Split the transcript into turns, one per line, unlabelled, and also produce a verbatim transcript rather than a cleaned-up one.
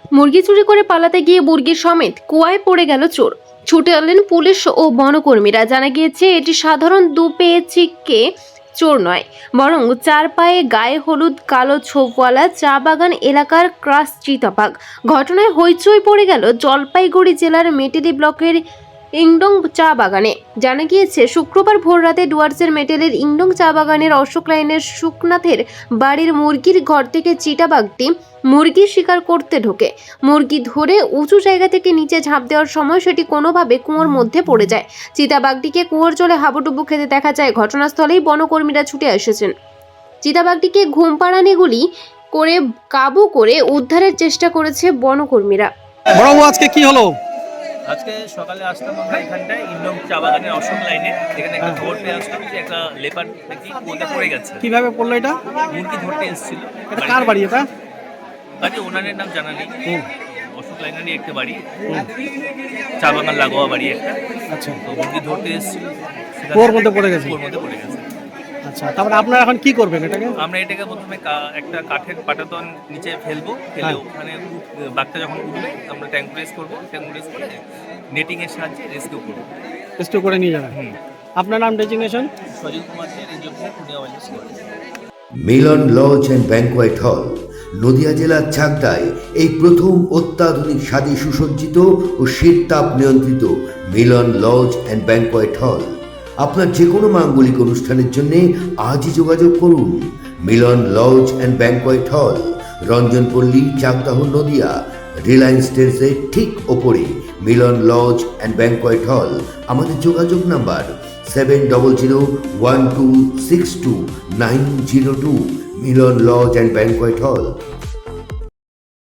মুরগি চুরি করে পালাতে গিয়ে মুরগি সমেত কুয়ায় পড়ে গেল চোর। ছুটে এলেন পুলিশ ও বনকর্মীরা। জানা গিয়েছে এটি সাধারণ দুপেয়ে চিক্কে চোর নয়, বরং চার পায়ে গায়ে হলুদ কালো ছোপওয়ালা চা বাগান এলাকার ক্রাস চিতাবাঘ। ঘটনায় হইচই পড়ে গেল জলপাইগুড়ি জেলার মেটেলি ব্লকের ইংডং চা বাগানে। জানা গিয়েছে শুক্রবার ভোররাতে ডুয়ার্সের মেটেলের ইংডং চা বাগানের অশোক লাইনের সুকনাথের বাড়ির মুরগির ঘর থেকে চিতাবাঘটি মুরগি শিকার করতে ঢোকে। মুরগি ধরে উঁচু জায়গা থেকে নিচে ঝাঁপ দেওয়ার সময় সেটি কোনোভাবে কুয়োর মধ্যে পড়ে যায়। চিতাবাঘটিকে কুয়োর জলে হাবুডুবু খেতে দেখা যায়। ঘটনাস্থলেই বনকর্মীরা ছুটে এসেছেন। চিতাবাঘটিকে ঘুম পাড়ানি গুলি করে কাবু করে উদ্ধারের চেষ্টা করেছে বনকর্মীরা।
বড়বাবু, আজকে কি হলো?
আজকে সকালে আসলাম আমরা এখানটায় ইন্ডম চা বাগানের অশোক লাইনে। এখানে একটা খবর পেয়ে আসলাম যে একটা লেপার নাকি কুয়োতে পড়ে গেছে।
কিভাবে পড়লো এটা?
মুরগি ধরতে এসেছিল।
এটা কার বাড়ি এটা?
বাড়ি ওনারের নাম জানা নেই। অশোক লাইনেরই একটা বাড়ি, চা বাগান লাগোয়া বাড়ি একটা।
আচ্ছা,
তো মুরগি ধরতে এসেছিল,
কুয়োর মধ্যে পড়ে গেছে।
কুয়োর মধ্যে পড়ে গেছে।
আচ্ছা, তারপরে আপনারা এখন কি করবেন এটাকে?
আমরা এটাকে প্রথমে কা- একটা কাঠের পাটাতন নিচে ফেলবো, ফেলে
হ্যাঁ।
ওখানে উঠ- বাঘটা যখন উঠবে আমরা ট্যাঙ্ক রেস করবো, ট্যাঙ্ক রেস করে নেটিং এর সাহায্যে রেস্কিউ করবো।
রেস্কিউ করে নিয়ে যাবেন।
হুম।
আপনার নাম, designation?
Sajil Kumar De, range officer, Purulia wildlife.
Milan lodge and banquet hall, Nadia জেলার চাকদায় এই প্রথম অত্যাধুনিক স্বাদে সুসজ্জিত ও শীততাপ নিয়ন্ত্রিত মিলন লজ অ্যান্ড ব্যাংকোয়েট হল। আপনার যে কোনো মাঙ্গলিক অনুষ্ঠানের জন্য আজই যোগাযোগ করুন। মিলন লজ অ্যান্ড ব্যাংকোয়েট হল, রঞ্জনপল্লী, চাকদাহ, নদিয়া। রিলায়েন্স ট্রেন্ডসের ঠিক ওপরে মিলন লজ অ্যান্ড ব্যাংকোয়েট হল। আমাদের যোগাযোগ number seven double zero one two six two nine zero two. Milan lodge and banquet হল।